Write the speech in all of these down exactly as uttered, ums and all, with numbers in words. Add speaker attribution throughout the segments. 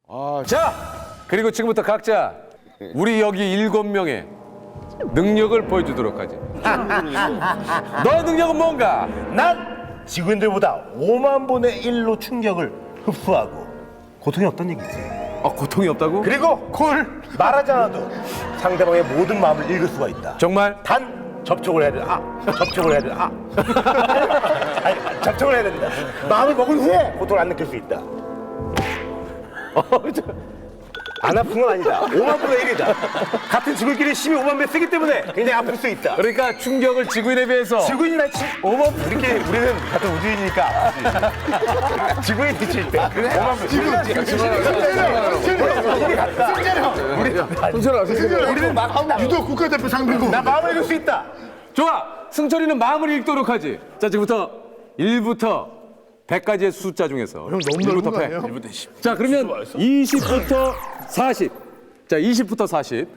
Speaker 1: 아,
Speaker 2: 자, 그리고 지금부터 각자 우리 여기 일곱 명의 능력을 보여주도록 하지. 너의 능력은 뭔가?
Speaker 3: 난 지구인들보다 오만 분의 일로 충격을 흡수하고 고통이 없다는 얘기지.
Speaker 2: 아, 고통이 없다고?
Speaker 3: 그리고 콜 말하지 않아도 상대방의 모든 마음을 읽을 수가 있다.
Speaker 2: 정말?
Speaker 3: 단 접촉을 해야 된다. 아, 접촉을 해야 된다. 아, 아니, 접촉을 해야 된다. 마음을 먹은 후에 고통을 안 느낄 수 있다. 어, 저, 안 아픈 건 아니다. 오만 분의 일이다. 같은 지구인끼리 십이 오만 배 쓰기 때문에 굉장히 아플 수 있다.
Speaker 2: 그러니까 충격을 지구인에 비해서
Speaker 3: 지구인이나 오만 우리끼리 우리는 같은 우주인이니까 아프지. 지구인이 칠 때 오만 배. 우리는 막
Speaker 1: 유도 국가대표 상대고.
Speaker 3: 나 마음을 읽을 수 있다.
Speaker 2: 좋아! 승철이는 마음을 읽도록 하지. 자, 지금부터 일부터 백까지의 숫자 중에서
Speaker 1: 형 너무
Speaker 2: 일부터
Speaker 1: 넓은 거
Speaker 2: 백.
Speaker 1: 아니에요?
Speaker 2: 일부터 십. 자, 그러면 이십부터 사십. 자, 이십부터 사십.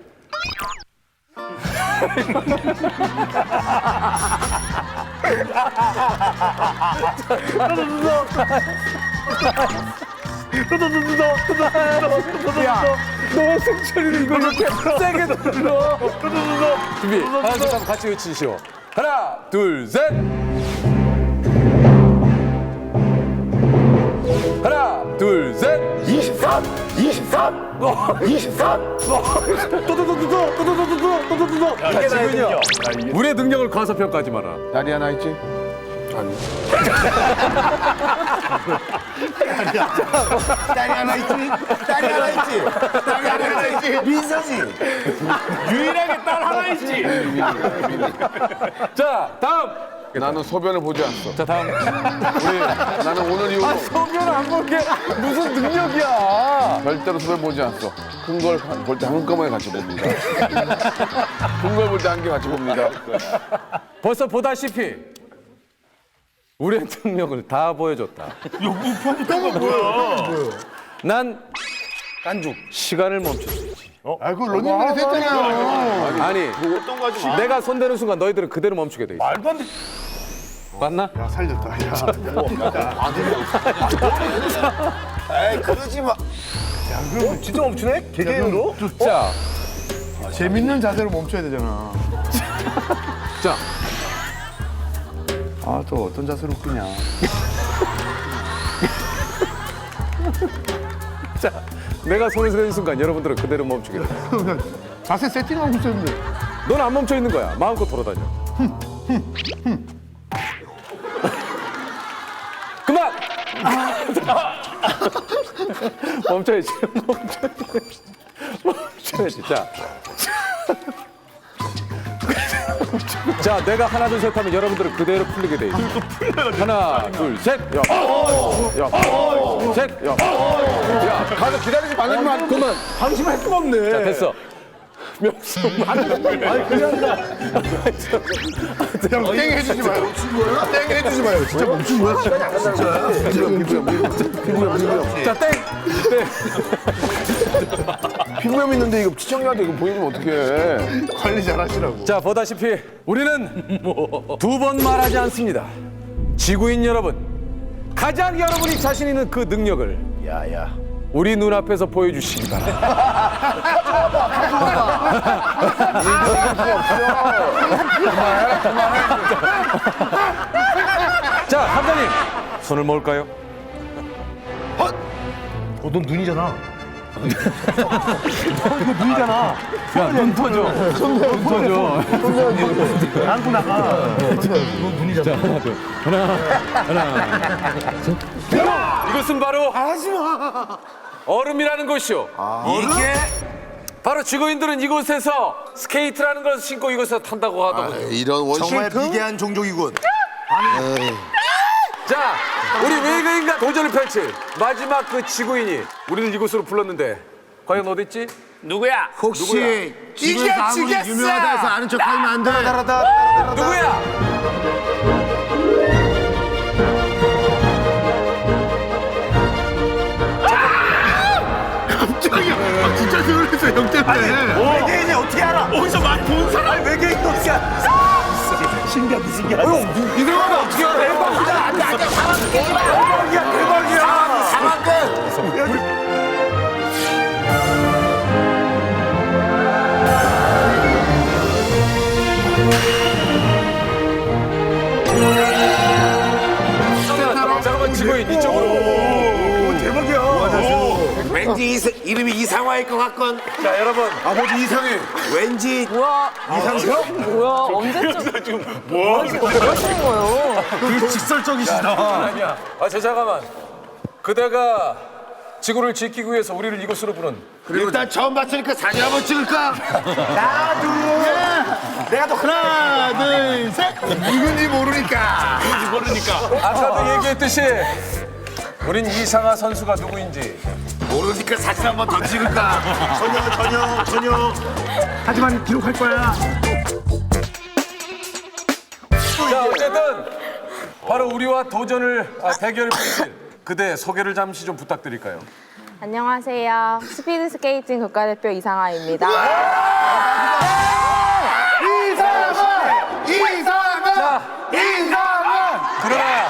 Speaker 2: 야, 너 승철이는 이걸 이렇게 세게 눌러. 준비. 하나, 둘, 셋, 같이 외치시오. 하나, 둘, 셋. 하나, 둘, 셋.
Speaker 3: 이십삼, 이십삼, 이십삼.
Speaker 2: 또또또또또또또또또또또또.
Speaker 3: 이게 나의 능력.
Speaker 2: 우리의 능력을 과소평가하지 마라.
Speaker 1: 다리 하나 있지? 아니.
Speaker 3: 딸이 하나 있지? 딸이 하나 있지? 딸이 하나 있지? 민서지. 유일하게 딸 하나 있지.
Speaker 2: 자, 다음.
Speaker 1: 나는 소변을 보지 않았어.
Speaker 2: 자, 다음. 우리
Speaker 1: 나는 오늘 이후로
Speaker 2: 소변 안 본 게 무슨 능력이야?
Speaker 1: 절대로 소변 보지 않았어. 큰 걸 볼 때 한꺼번에 같이 봅니다. 큰 걸 볼 때 한 개 같이 봅니다.
Speaker 2: 벌써 보다시피 우리의 능력을 다 보여줬다.
Speaker 3: 이거 뭐야?
Speaker 2: 난 깐죽 시간을 멈출 수 있지.
Speaker 1: 아, 그거 런닝맨에서 했잖아요.
Speaker 2: 아니, 내가 손대는 순간 너희들은 그대로 멈추게 돼 있어.
Speaker 3: 말도 안 돼.
Speaker 2: 맞나?
Speaker 1: 야, 살렸다. 야.
Speaker 3: 에이, 그러지 마. 야, 그럼 진짜 멈추네? 개개인으로?
Speaker 2: 자,
Speaker 1: 재밌는 자세로 멈춰야 되잖아.
Speaker 2: 자,
Speaker 1: 아, 또 어떤 자세로 웃기냐.
Speaker 2: 자, 내가 손을 대는 순간 여러분들은 그대로 멈추게 돼.
Speaker 1: 자세 세팅하고 있었는데.
Speaker 2: 넌 안 멈춰 있는 거야. 마음껏 돌아다녀. 그만! 멈춰야지. 멈춰야지. 멈춰야지. 자. 자, 내가 하나, 둘, 셋 하면 여러분들은 그대로 풀리게 돼 있어. 하나, 둘, 셋. 야. 야. 셋. 야. 야, 가서 기다리지 말라면 그만.
Speaker 3: 방심할 수가 없네.
Speaker 2: 자, 됐어. 명수.
Speaker 3: 아니, 그게 아니라.
Speaker 1: 형, 땡 해주지 마요. 땡 해주지 마요. 진짜 멈춘 거야? 진짜. 피부염, 피부염.
Speaker 2: 자, 땡. 땡.
Speaker 1: 피부염 있는데 이거 시청자한테 이거 보여주면 어떡해. 관리 잘 하시라고.
Speaker 2: 자, 보다시피 우리는 두 번 말하지 않습니다. 지구인 여러분, 가장 여러분이 자신 있는 그 능력을
Speaker 3: 야, 야.
Speaker 2: 우리 눈앞에서 보여주시기 바랍니다. 자, 함장님, 손을 모을까요?
Speaker 3: 어, 넌 눈이잖아. 너 이거 눈이잖아.
Speaker 2: 야, 눈 터져. 눈 터져.
Speaker 3: 안고 나가. 너 눈이잖아.
Speaker 2: 하나, 하나. 이것은 바로 얼음이라는 것이요.
Speaker 3: 이게
Speaker 2: 바로 지구인들은 이곳에서 스케이트라는 걸 신고 이곳에서 탄다고 하더군요.
Speaker 1: 이런 원실
Speaker 3: 비계한 종족이군.
Speaker 2: 자, 우리 외계인과 도전을 펼칠 마지막 그 지구인이 우리를 이곳으로 불렀는데 과연 어디 있지?
Speaker 3: 누구야?
Speaker 1: 혹시
Speaker 3: 이게 지겠어.
Speaker 1: 유명하다 해서 아는 척 하면 안 돼.
Speaker 2: 누구야?
Speaker 1: 깜짝이야. 아, 진짜 놀랐어, 형 때문에.
Speaker 3: 외계인이 어떻게 알아? 어디서 많이 본 사람? 외계인이 어떻게 알아? 신기하다, 신기하다.
Speaker 2: 이상하다. 어떻게 알아?
Speaker 3: 대박이다. 안 돼, 안 돼. 상황 깨지 마. 대박이야, 대박이야. 상황 깨.
Speaker 2: 지구인 이쪽으로.
Speaker 4: 왠지 이사, 이름이 이상화일 것 같건.
Speaker 2: 자, 여러분.
Speaker 1: 아버지 이상해.
Speaker 4: 왠지
Speaker 5: 뭐야?
Speaker 1: 이상형?
Speaker 5: 뭐야? 언제쯤 지금 뭐 하시는 거예요?
Speaker 1: 그 직설적이시다.
Speaker 2: 아니야. 아, 저 잠깐만. 그대가 지구를 지키기 위해서 우리를 이곳으로 부른
Speaker 4: 일단 처음 봤으니까 사진 한번 찍을까?
Speaker 1: 내가 또 하나, 둘, 셋. 누군지 모르니까.
Speaker 2: 아까도 얘기했듯이 우린 이상하 선수가 누구인지
Speaker 4: 모르니까 사진 한번 더 찍을까?
Speaker 3: 전혀 전혀 전혀. 하지만 기록할 거야.
Speaker 2: 자, 어쨌든 바로 우리와 도전을 아, 대결을 펼칠 그대 소개를 잠시 좀 부탁드릴까요?
Speaker 5: 안녕하세요. 스피드 스케이팅 국가대표 이상아입니다.
Speaker 1: 이상한! 이상한! 이상한!
Speaker 2: 그러나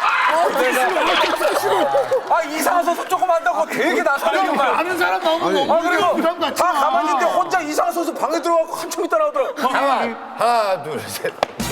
Speaker 2: 아, 이상한 선수 조금 한다고 되게 나서는 거야.
Speaker 1: 아는 사람 나오면 너무
Speaker 2: 아, 그리고
Speaker 1: 부담 갖지
Speaker 2: 다
Speaker 1: 마.
Speaker 2: 가만히 있는데 혼자 이상한 선수 방에 들어가고 한참 있다 나오더라고.
Speaker 4: 잠깐만. 하나, 둘, 셋.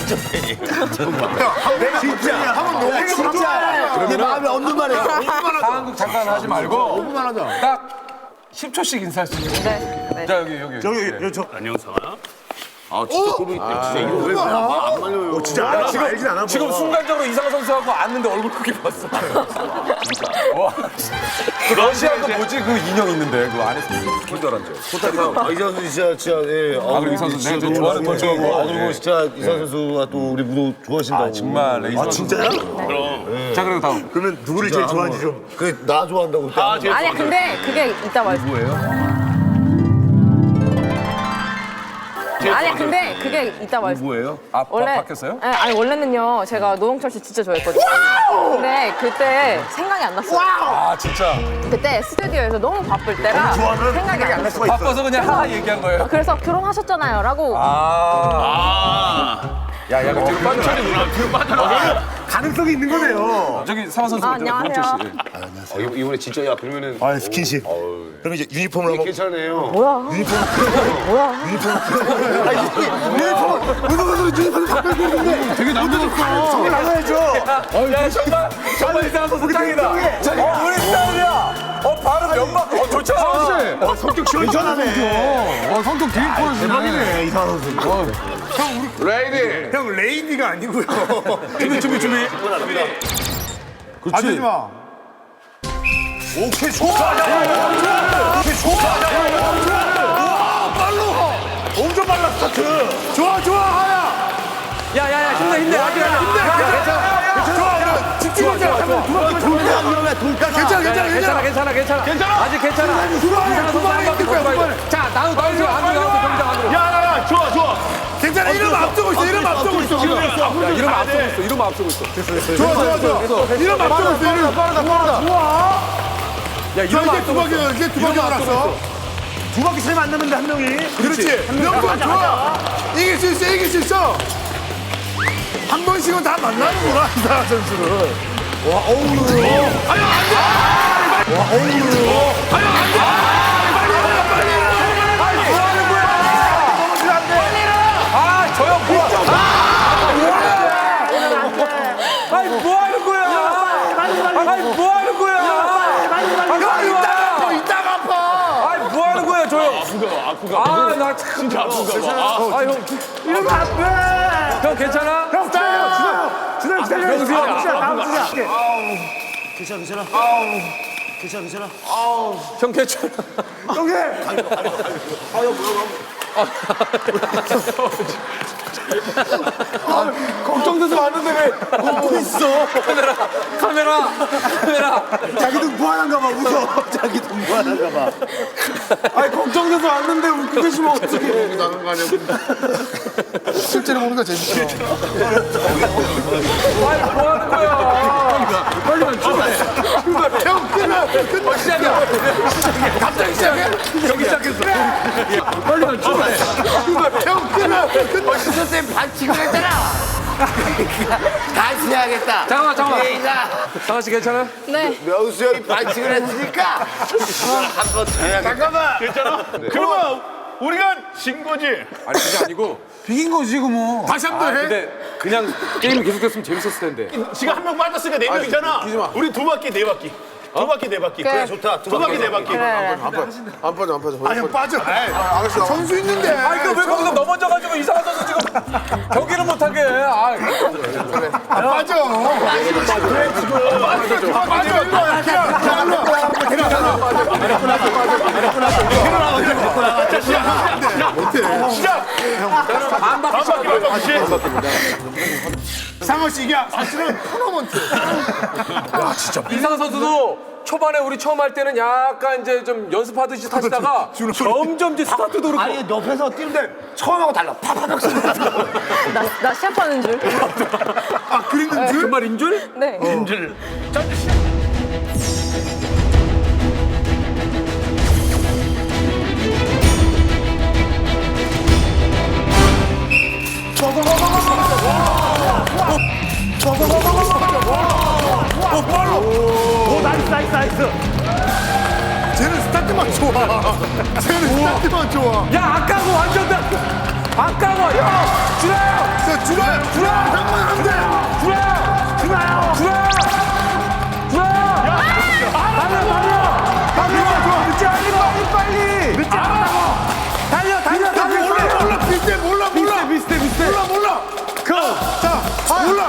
Speaker 1: 내가 진짜 한번 너무 진짜.
Speaker 3: 내 마음에 없는 말이야.
Speaker 2: 한국 잠깐 하지 말고
Speaker 1: 오 분만 하자.
Speaker 2: 딱 십 초씩 인사할 수 있는.
Speaker 5: 네. 네.
Speaker 2: 자, 여기 여기.
Speaker 3: 저기
Speaker 2: 네.
Speaker 3: 저
Speaker 4: 아, 진짜 그룹이 진짜 이거 왜 안 말려요?
Speaker 3: 진짜 알아. 지금 알진 않아.
Speaker 2: 지금 순간적으로 이상한 선수하고 왔는데 얼굴 크게 봤어. 와. 그 러시아 그 뭐지 그 인형 있는데 그 안에서 기절한 줄.
Speaker 3: 아, 이상 선수 진짜 진짜 예.
Speaker 2: 아, 그리고 이 선수 내가 좀 좋아하는
Speaker 3: 거
Speaker 2: 선수고.
Speaker 3: 아, 그리고 진짜 이상 선수가 또 우리 무도 좋아하신다고.
Speaker 2: 아, 정말 레이저.
Speaker 3: 아, 진짜요?
Speaker 2: 자, 그리고 다음.
Speaker 3: 그러면 누구를 제일 좋아하는지 좀. 그 나 좋아한다고. 아,
Speaker 5: 아니야, 근데 그게 이따 말.
Speaker 2: 뭐예요?
Speaker 5: 아니야, 근데 그게 이따 말.
Speaker 2: 뭐예요? 아,
Speaker 5: 원래
Speaker 2: 바뀌었어요?
Speaker 5: 아니, 아니 원래는요 제가 노홍철 씨 진짜 좋아했거든요. 근데 그때 생각이 안 났어요.
Speaker 2: 아, 진짜.
Speaker 5: 그때 스튜디오에서 너무 바쁠 때라 생각이 안 났어요.
Speaker 2: 바빠서 그냥 하나 얘기한 거예요.
Speaker 5: 그래서 결혼하셨잖아요라고.
Speaker 2: 아. 야, 야, 그 뒤로 빠져. 뒤로 빠져.
Speaker 3: 가능성이 있는 거네요.
Speaker 2: 저기 상화 선수.
Speaker 5: 아, 안녕하세요.
Speaker 4: 어, 이거- 이번에 진짜 야 그러면은
Speaker 3: 아, 스킨십. 그럼 이제 유니폼을 한번.
Speaker 4: 괜찮네요.
Speaker 5: 뭐야? 뭐야?
Speaker 1: 되게 남자답다.
Speaker 3: 정말 나가야죠.
Speaker 2: 야, 정말 정말 이상한 선수 짱이다. 어, 우리 스타일이야. 어, 바로 연막. 어, 좋죠.
Speaker 3: 어, 성격 시원시원하네.
Speaker 1: 어, 성격 되게 좋아하시네.
Speaker 3: 대박이네, 이상 선수.
Speaker 4: 레이디.
Speaker 3: 형 레이디가 아니고요.
Speaker 2: 준비, 준비, 준비.
Speaker 1: 하지 마.
Speaker 3: 오케이 좋다. 오케이 좋다. 엄청 빨라 스타트.
Speaker 1: 좋아, 좋아, 하야.
Speaker 2: 야, 야, 야, 힘내, 힘내. 아직 아니야.
Speaker 1: 괜찮아. 집중하자.
Speaker 3: 돌까 위험해. 돌까.
Speaker 1: 괜찮아, 괜찮아,
Speaker 2: 괜찮아,
Speaker 1: 괜찮아.
Speaker 2: 괜찮아, 괜찮아. 아직 괜찮아.
Speaker 1: 두 번에,
Speaker 2: 이상한
Speaker 1: 두
Speaker 2: 선수
Speaker 1: 번에
Speaker 2: 한 바퀴
Speaker 1: 이길 거야,
Speaker 2: 돌아야
Speaker 1: 두 번에.
Speaker 2: 돼. 자, 나우, 나우, 나우, 안으로, 안으로, 경기장 안으로.
Speaker 3: 야, 야, 야, 좋아, 좋아.
Speaker 1: 괜찮아, 이름 앞두고 있어, 이름 앞두고 있어. 지금.
Speaker 2: 야, 이름 앞서고 있어, 이름 앞서고 있어.
Speaker 1: 좋아, 좋아, 좋아. 이름 앞두고 있어, 이름. 빠르다, 빠르다. 좋아.
Speaker 2: 야,
Speaker 1: 자,
Speaker 2: 이름
Speaker 1: 이제 두
Speaker 2: 앞서고
Speaker 1: 바퀴,
Speaker 2: 있어.
Speaker 1: 이제 두 바퀴 돌았어.
Speaker 3: 두 바퀴 차이 안 나는데 한 명이.
Speaker 1: 그렇지. 명분 좋아. 이길 수 있어, 이길 수 있어. 한 번씩은 다 만나는구나, 이상한 선수를. 와, 어우. 아유, 안 돼! 와, 어우. 아유, 안 돼! 빨리 일어나, 빨리 일어나!
Speaker 2: 아니, 뭐 하는 거야?
Speaker 1: 넘어지면 안 돼! 빨리 일어나!
Speaker 2: 아, 저 형 뭐야? 아니, 뭐 하는 거야? 아니, 뭐 하는 거야?
Speaker 1: 형, 이따가 아파, 이따가 아파!
Speaker 2: 아니, 뭐 하는 거야, 저 형? 아프가, 아프가. 아, 나 참. 진짜 아프가. 아, 형.
Speaker 1: 이러면 안 돼!
Speaker 2: 형, 괜찮아?
Speaker 1: 형, 기다려! 기다려, 기다려!
Speaker 2: 명수야.
Speaker 1: 다음 주자, 다음 주자.
Speaker 3: 괜찮아, 괜찮아. 괜찮아, 괜찮아.
Speaker 2: 형, 괜찮아?
Speaker 1: 형님! 아, 걱정돼서 왔는데 왜 웃고 있어?
Speaker 2: 카메라, 카메라, 카메라.
Speaker 3: 자기도 무한한가 봐, 웃어. 자기도 무한한가 봐.
Speaker 1: 아니, 걱정돼서 왔는데 웃고 계시면 어떡해. 나는 거 아니야. 실제로 보는 거 재밌어.
Speaker 2: 아니, 뭐 하는 거야?
Speaker 1: 빨리 와, 출발해. 출발해. 형, 끝나. 끝나.
Speaker 2: 어, 시작이야.
Speaker 1: 갑자기 시작해?
Speaker 2: 여기 시작했어.
Speaker 1: 빨리 와, 출발해. 출발해. 형, 끝나. 끝나.
Speaker 4: 선생님 반칙을 했잖아. 다시 해야겠다.
Speaker 2: 잠깐만, 잠깐만.
Speaker 4: 레이자.
Speaker 2: 상아 씨 괜찮아?
Speaker 5: 네.
Speaker 4: 명수 형이 반칙을 했으니까 한번 더 해야겠다.
Speaker 1: 잠깐만.
Speaker 3: 그러면
Speaker 4: 우리가 진 거지.
Speaker 2: 아니 그게 아니고
Speaker 1: 비긴 거지 그 뭐. 다시 한
Speaker 2: 아
Speaker 1: 번 해.
Speaker 2: 근데 그냥 게임이 계속됐으면 재밌었을 텐데.
Speaker 4: 지금 한 명 빠졌으니까 네 명이잖아.
Speaker 1: 웃기지 마.
Speaker 4: 우리 두 바퀴 네 바퀴. 두 바퀴 네 바퀴. 그래 좋다. 두 바퀴 네 바퀴.
Speaker 5: 그래.
Speaker 1: 안 빠져 안 빠져. 아 형 빠져. 아, 알았어. 선수 있는데.
Speaker 2: 아니 그왜 거기서 넘어져가지고 이상한 선수 지금 경기를 못하게 해. 아,
Speaker 1: 안 빠져. 빠져. 일로 와. 일로 와.
Speaker 4: 시작.
Speaker 2: 반 바퀴
Speaker 4: 한 바퀴 한 바퀴.
Speaker 1: 상호 씨 이게 사실은 토너먼트.
Speaker 2: 이상한 선수도 초반에 우리 처음 할 때는 약간 이제 좀 연습하듯이 타시다가 점점 이제 스타트도 그렇고
Speaker 3: 아니 옆에서 뛰는데 처음하고 달라. 팍팍팍 쏘는
Speaker 5: 나, 나 시합하는 줄.
Speaker 1: 아 그리는 줄?
Speaker 2: 정말 인줄?
Speaker 5: 네.
Speaker 4: 인줄.
Speaker 3: 오 나이스 나이스 나이스.
Speaker 1: 쟤는 스타트만 좋아. 쟤는 스타트만 좋아.
Speaker 2: 야 아까고 완전 다 아까고 야 주라요
Speaker 1: 자 주라 주라 한번 안 돼.
Speaker 2: 주라요 주라요 주라요 주라요 달려 달려 달려 늦지 않고 빨리 빨리 늦지 않고 달려 달려 달려
Speaker 1: 몰라 몰라 비슷해 몰라 몰라
Speaker 2: 비슷해 비슷해
Speaker 1: 몰라 몰라. 자 몰라.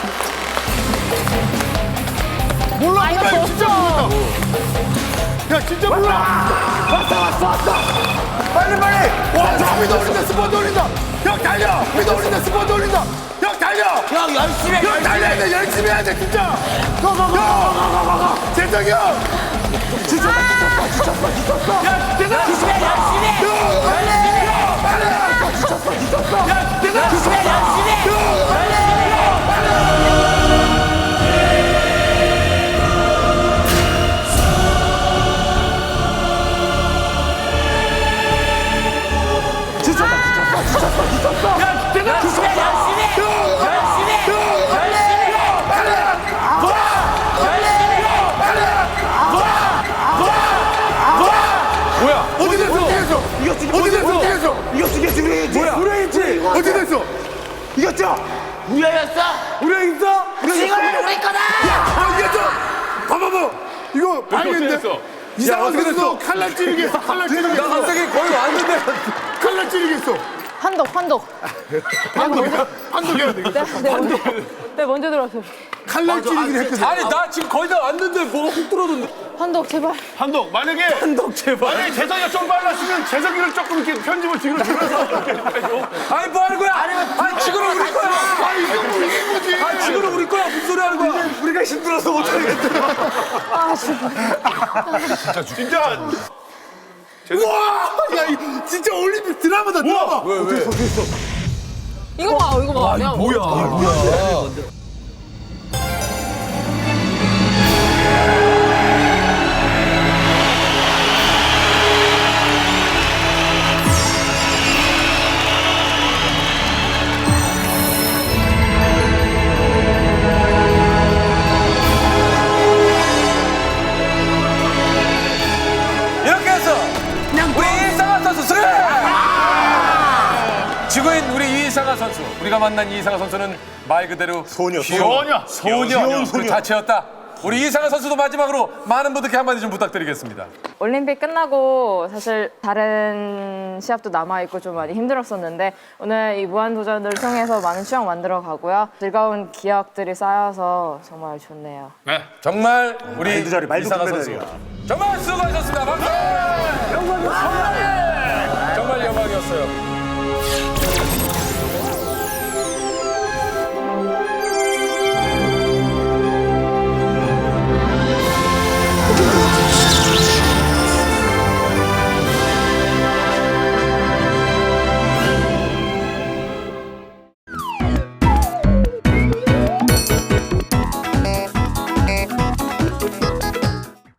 Speaker 1: 몰라
Speaker 5: 아, 이거
Speaker 1: 몰라 이거 진짜
Speaker 5: 졌어.
Speaker 1: 몰라. 야 진짜 몰라. 왔다 왔어 왔다. 빨리 빨리. 와저 위도 올린다 스포트 올린다. 형 달려. 위도 올린다 스포트 올린다. 형 달려.
Speaker 3: 형 열심히 해.
Speaker 1: 형 달려야 돼 열심히 해야 돼 진짜. 가가가가가가. 재정이 형. 지쳤다 지쳤다 지쳤다 지쳤다. 야 대단.
Speaker 3: 열심히 해 열심히 해.
Speaker 1: 열심히 해. 빨리. 지쳤어 지쳤어. 야 대단.
Speaker 3: 열심히 해 열심히 해.
Speaker 1: 야 대단.
Speaker 3: 열심히 해 열심히 해. 열심히 해. 열심히 해.
Speaker 2: 뭐야
Speaker 1: 어디 됐어? 어디 됐어?
Speaker 3: 이겼지
Speaker 1: 어디 됐어? 어디 됐어?
Speaker 3: 이겼지 이겼지 우리 이겼지.
Speaker 2: 뭐야
Speaker 1: 우리 있지? 어디 됐어?
Speaker 3: 이겼죠? 우리였어?
Speaker 1: 우리 있어?
Speaker 3: 이거는 우리 거다.
Speaker 1: 아 이겼어? 봐봐봐 이거 발견인데?
Speaker 4: 됐어.
Speaker 1: 이상한
Speaker 2: 어떻게
Speaker 1: 선수도 칼날 찌르게 했어 칼날 찌르게
Speaker 2: 나
Speaker 1: 했어
Speaker 2: 갑자기 거의 왔는데
Speaker 1: 칼날 찌르게 했어
Speaker 5: 한독, 한독.
Speaker 1: 판독 판독해야 돼
Speaker 5: 내가, 내가 먼저, 내가 먼저 들어왔어.
Speaker 1: 칼날 찌르기를 했거든
Speaker 2: 아니 나 지금 거의 다 왔는데 뭐가 훅 들어오던데
Speaker 5: 한독, 제발.
Speaker 4: 한독 만약에
Speaker 2: 한독 제발
Speaker 4: 만약에 재석이가 좀 빨랐으면 재석이를 조금 이렇게 편집을 뒤로 줄여서 이렇게 해줘.
Speaker 2: 아니 뭐 하는 거야 아니 지금은 우리 거야
Speaker 1: 아 이거 뭐 이긴 거지
Speaker 2: 아니 지금은 우리 거야 무슨 소리 하는 거야
Speaker 1: 우리가 힘들어서 못하겠다
Speaker 5: 아, 진짜.
Speaker 4: 진짜
Speaker 1: 와! 야, 이 진짜 올림픽 드라마다 드라마
Speaker 2: 왜 왜?
Speaker 5: 이거 봐, 이거 봐. 내가
Speaker 2: 이렇게 해서 우리 이상한 선수 승리! 지구인 우리 이상한 선수 우리가 만난 이상한 선수는 말 그대로 소녀
Speaker 4: 소녀.
Speaker 2: 소녀
Speaker 4: 귀여운
Speaker 2: 그
Speaker 4: 소녀.
Speaker 2: 자체였다 우리 이상한 선수도 마지막으로 많은 분들께 한마디 좀 부탁드리겠습니다
Speaker 5: 올림픽 끝나고 사실 다른 시합도 남아있고 좀 많이 힘들었었는데 오늘 이 무한도전을 통해서 많은 추억 만들어 가고요. 즐거운 기억들이 쌓여서 정말 좋네요.
Speaker 2: 네. 정말 우리 이상한 선수 정말 수고하셨습니다 박수! 영광이었습니다 정말 영광이었어요